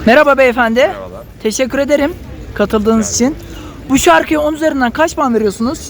Merhaba beyefendi. Merhabalar. Teşekkür ederim katıldığınız için. Bu şarkıya 10 üzerinden kaç puan veriyorsunuz?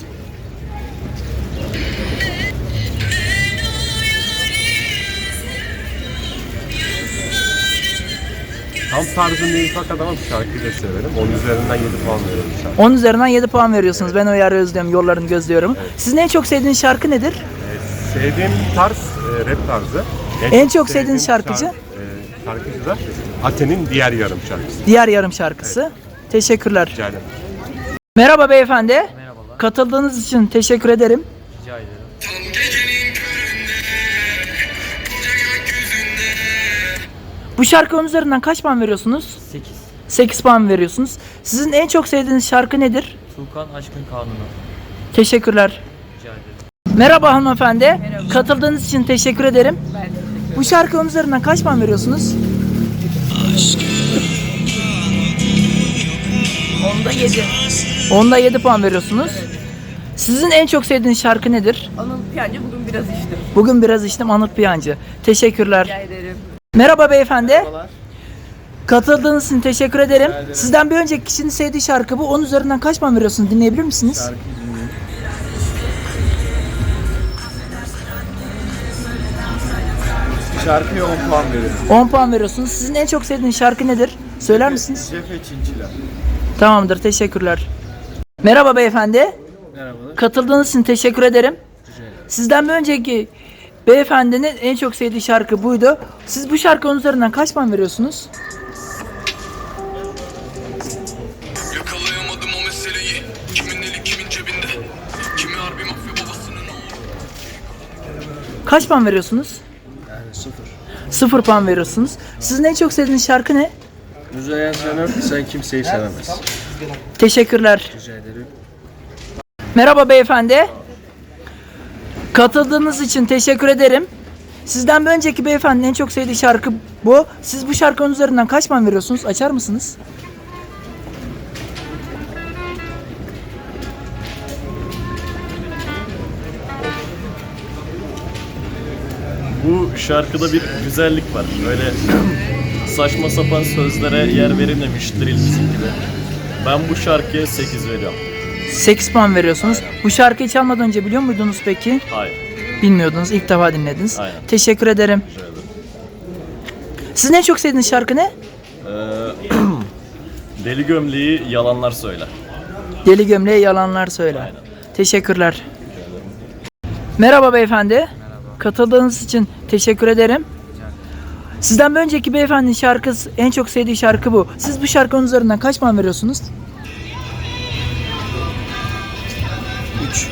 Tam tarzım değil fakat ama bu şarkıyı da severim. 10 üzerinden 7 puan veriyorum şarkı. 10 üzerinden 7 puan veriyorsunuz. Ben o yarı özlüyorum, yollarını gözlüyorum. Sizin en çok sevdiğiniz şarkı nedir? Sevdiğim tarz rap tarzı. En çok sevdiğiniz şarkıcı? Şarkıcı da Ate'nin Diğer Yarım şarkısı. Diğer yarım şarkısı. Teşekkürler. Rica ederim. Merhaba beyefendi. Merhabalar. Katıldığınız için teşekkür ederim. Rica ederim. Bu şarkı 10 üzerinden kaç puan veriyorsunuz? 8. 8 puan veriyorsunuz. Sizin en çok sevdiğiniz şarkı nedir? Tuğkan Aşkın Kanunu. Teşekkürler. Rica ederim. Merhaba hanımefendi. Katıldığınız için teşekkür ederim. Bu şarkı 10 üzerinden kaç puan veriyorsunuz? Onda 7. Onda 7 puan veriyorsunuz. Sizin en çok sevdiğiniz şarkı nedir? Anıl Piyancı bugün biraz içtim. Bugün biraz içtim, Anıt Piyancı. Teşekkürler. Rica ederim. Merhaba beyefendi. Katıldığınız için teşekkür ederim. Sizden bir önceki kişinin sevdiği şarkı bu. 10 üzerinden kaç puan veriyorsunuz? Dinleyebilir misiniz? Şarkıya 10 puan veriyorum. 10 puan veriyorsunuz. Sizin en çok sevdiğiniz şarkı nedir? Söyler misiniz? Cefe Çinçiler. Tamamdır, teşekkürler. Merhaba beyefendi. Merhabalar. Katıldığınız için teşekkür ederim. Sizden bir önceki beyefendinin en çok sevdiği şarkı buydu. Siz bu şarkının üzerinden kaç puan veriyorsunuz? Yakalayamadım o meseleyi. Kimin eli kimin cebinde? Kimi harbi mafya babasının oğlu? Kaç puan veriyorsunuz? Yani 0. 0 puan veriyorsunuz. Sizin en çok sevdiğiniz şarkı ne? Müzeyyen Senar sen kimseyi sevemez. Teşekkürler. Rica ederim. Merhaba beyefendi. Katıldığınız için teşekkür ederim. Sizden bir önceki beyefendinin en çok sevdiği şarkı bu. Siz bu şarkının üzerinden kaç puan veriyorsunuz? Açar mısınız? Bu şarkıda bir güzellik var. Böyle saçma sapan sözlere yer verilmemiştir bizim gibi. Ben bu şarkıya 8 veriyorum. 8 puan veriyorsunuz. Bu şarkıyı çalmadan önce biliyor muydunuz peki? Hayır. Bilmiyordunuz. İlk defa dinlediniz. Aynen. Teşekkür ederim. Sizin en çok sevdiğiniz şarkı ne? Deli gömleği yalanlar söyler. Deli gömleğe yalanlar söyle. Aynen. Teşekkürler. Merhaba beyefendi. Katıldığınız için teşekkür ederim. Sizden bir önceki beyefendinin şarkısı, en çok sevdiği şarkı bu. Siz bu şarkının üzerinden kaç puan veriyorsunuz? 3.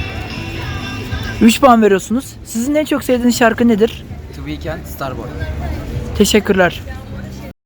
3 puan veriyorsunuz. Sizin en çok sevdiğiniz şarkı nedir? The Weeknd, Starboy. Teşekkürler.